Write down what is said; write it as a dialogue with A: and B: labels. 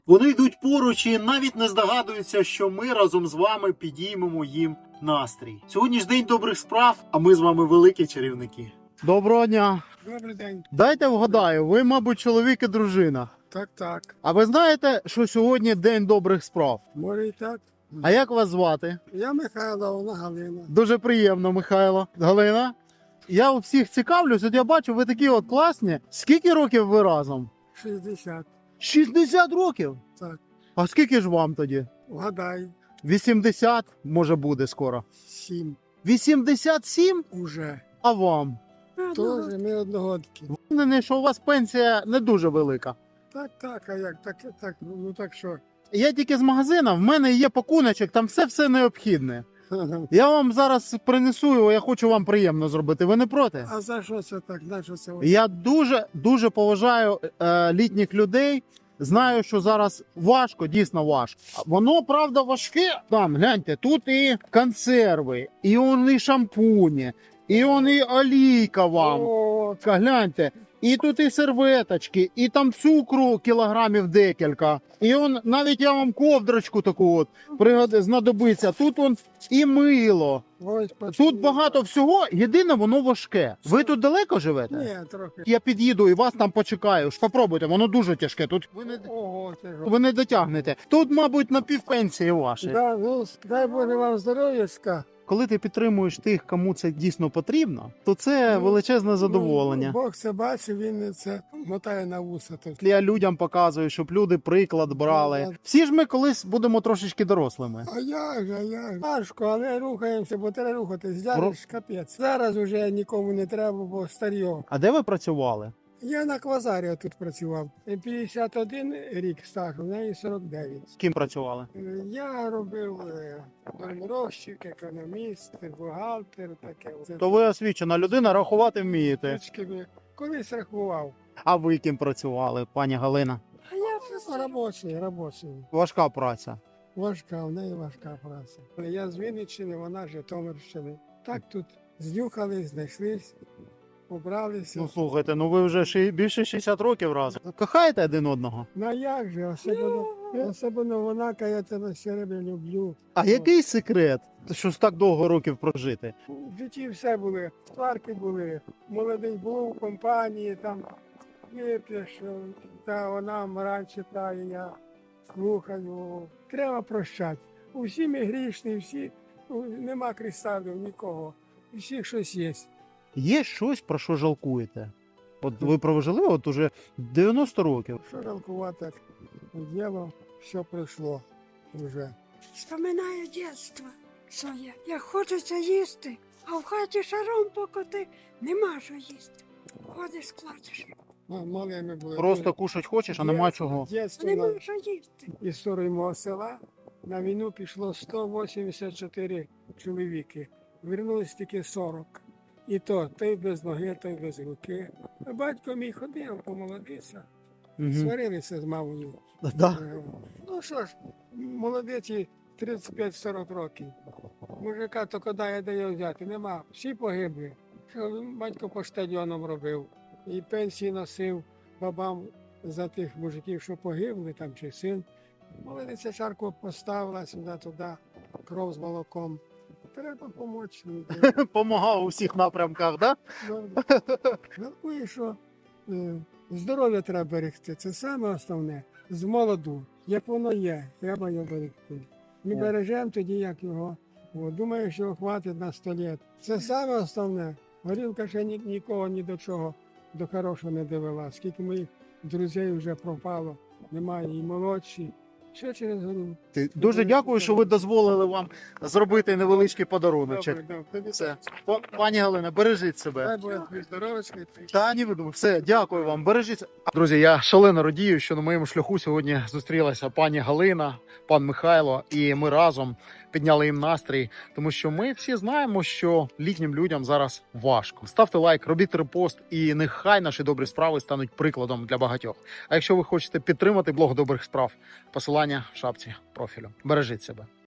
A: Вони йдуть поруч і навіть не здогадуються, що ми разом з вами підіймемо їм настрій. Сьогодні ж день добрих справ, а ми з вами великі чарівники. Доброго дня.
B: Добрий день.
A: Дайте вгадаю, ви, мабуть, чоловік і дружина.
B: Так.
A: А ви знаєте, що сьогодні день добрих справ?
B: Може і так.
A: А як вас звати?
B: Я Михайло, вона Галина.
A: Дуже приємно, Михайло. Галина. Я у всіх цікавлюсь, от я бачу, ви такі от класні. Скільки років ви разом?
B: 60.
A: 60 років?
B: Так.
A: А скільки ж вам тоді?
B: Вгадай.
A: 80, може буде скоро.
B: 7.
A: 87?
B: Уже.
A: А вам?
B: Тоже ми одногодки.
A: Впевнений, що у вас пенсія не дуже велика.
B: Так, а як? Так, ну так що?
A: Я тільки з магазина, в мене є пакуночок, там все необхідне. Я вам зараз принесу його, я хочу вам приємно зробити. Ви не проти?
B: А за що це так? На що це?
A: Я дуже поважаю літніх людей. Знаю, що зараз важко, дійсно важко. Воно, правда, важке. Там, гляньте, тут і консерви, і вони шампуні, і вони олійка вам.
B: О,
A: Гляньте, і тут і серветочки, і там цукру кілограмів декілька. І навіть я вам ковдрочку таку от знадобиться. Тут і мило.
B: ось
A: Тут багато всього, єдине воно важке. Ви тут далеко живете?
B: Ні, трохи.
A: Я під'їду і вас там почекаю. Попробуйте, воно дуже тяжке. Тут
B: Ого, це ж.
A: ви не дотягнете. Тут, мабуть, на півпенсії ваші.
B: Да, ну, дай Боже вам здоров'ячка.
A: Коли ти підтримуєш тих, кому це дійсно потрібно, то це величезне задоволення.
B: Бог це бачить, він це мотає на вуса. Тут.
A: Я людям показую, щоб люди приклад брали. Всі ж ми колись будемо трошечки дорослими.
B: А як же? Важко, але рухаємося, бо треба рухатись. Зараз капець. Зараз уже нікому не треба, бо старьо.
A: А де ви працювали?
B: Я на квазарі тут працював. 51 рік стажу, в неї 49.
A: З ким працювали?
B: Я робив розчик, економіст, бухгалтер, таке.
A: То ви освічена людина, рахувати вмієте.
B: Точки колись рахував.
A: А ви ким працювали, пані Галина?
B: А я робочий.
A: Важка праця.
B: Важка, в неї важка праця. Я з Вінниччини, вона з Житомирщини. Так тут знюхались, знайшлись, побралися.
A: Ну слухайте, ну ви вже більше 60 років разом. Кохаєте один одного?
B: Ну а як же, особливо вона, каже, я тебе все время люблю.
A: А який секрет, що так довго років прожити?
B: В житті все були, сварки були, молодий був у компанії, там вип'єш, та вона мораль читає, я слухаю. Треба прощати. Усі ми грішні, всі, нема кристалів нікого, у всіх щось є.
A: Є щось, про що жалкуєте? От ви прожили от уже 90 років.
B: Що жалкувати, діло, все пройшло вже.
C: Вспоминаю дитинство своє. Як хочеться їсти, а в хаті шаром покоти нема що їсти. Ходиш, плачеш.
B: Малими були.
A: Просто кушать хочеш, а нема чого.
B: Дєтство
C: Нема що їсти.
B: історії мого села на війну пішло 184 чоловіки. Вернулись тільки 40. І то, той без ноги, той без руки. А батько мій ходив, помолодився.
A: Угу.
B: Сварилися з мамою.
A: Да.
B: Ну що ж, молодиці 35-40 років. Мужика то куди дає взяти, нема. Всі погибли. Що батько по стадіонам робив. І пенсії носив бабам за тих мужиків, що погибли, там чи син. Молодиця чарку поставила сюди-туди, кров з молоком. Треба допомогти.
A: Помагав у всіх напрямках, да?
B: Жалкую, що здоров'я треба берегти. Це саме основне. З молоду. Як воно є, треба його берегти. Ми бережемо тоді, як його. Думаю, що хватить на 100 років. Це саме основне. Горілка ще нікого ні до чого, до хорошого не довела. Скільки моїх друзів вже пропало, немає і молодші. Все через горілку.
A: Дуже дякую, що ви дозволили вам зробити невеличкий подаруночок.
B: Добре.
A: Все. Пані Галина, бережіть себе.
B: Дай Боже тобі здоров'ячка.
A: Та ні, видумав. Все, дякую вам. Бережіть. Друзі, я шалено радію, що на моєму шляху сьогодні зустрілася пані Галина, пан Михайло, і ми разом підняли їм настрій, тому що ми всі знаємо, що літнім людям зараз важко. Ставте лайк, робіть репост, і нехай наші добрі справи стануть прикладом для багатьох. А якщо ви хочете підтримати блог добрих справ, посилання в шапці профілю. Бережіть себе.